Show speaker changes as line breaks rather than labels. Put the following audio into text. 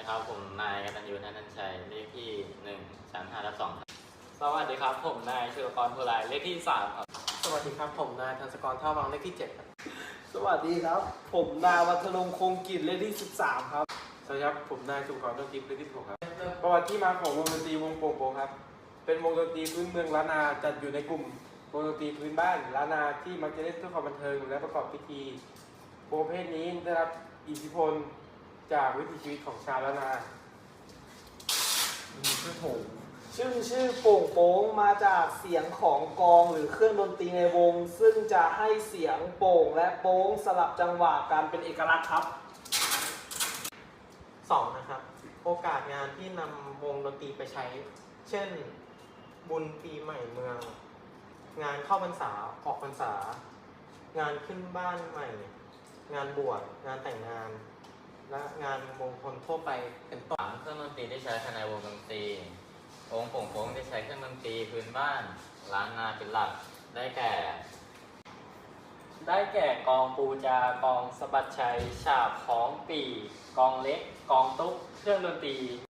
ครับผมนายกตัญญูนันท์ชัยเลขที่1 3 5/2ครับ
สวัสดีครับผมนายชุลกรภูไลเลขที่3ครับ
สวัสดีครับผมนายธัญกรท่าวังเลขที่7ครับ
สวัสดีครับผมนายวัฒนงคงกิจเลขที่13ครับ
สวัสดีครับผมนายสุขกรต้นทิพย์เลขที่16ครับประวัติที่มาของวงดนตรีวงโป่งโป่งครับเป็นวงดนตรีพื้นเมืองล้านนาจัดอยู่ในกลุ่มวงดนตรีพื้นบ้านล้านนาที่มักจะเล่นเพื่อความบันเทิงและประกอบพิธีวงประเภทนี้ได้รับอิทธิพลจากวิถีชีวิตของชาวล้านนา
ชื่อโป่งโป้งมาจากเสียงของกลองหรือเครื่องดนตรีในวงซึ่งจะให้เสียงโป่งและโป้งสลับจังหวะกันเป็นเอกลักษณ์ครับ
2. นะครับโอกาสงานที่นำวงดนตรีไปใช้เช่นบุญปีใหม่เมืองงานเข้าพรรษาออกพรรษางานขึ้นบ้านใหม่งานบวชงานแต่งงานและงานมงคลทั่วไปเป็นต้น
เครื่องดนตรีที่ใช้ภายในวงดนตรีวงโป่งโป้งที่ใช้เครื่องดนตรีพื้นบ้านล้านนาเป็นหลักได้แก่
กองปูจากองสะบัดชัยฉาบของปีกองเล็กกองตุ๊กเครื่องดนตรี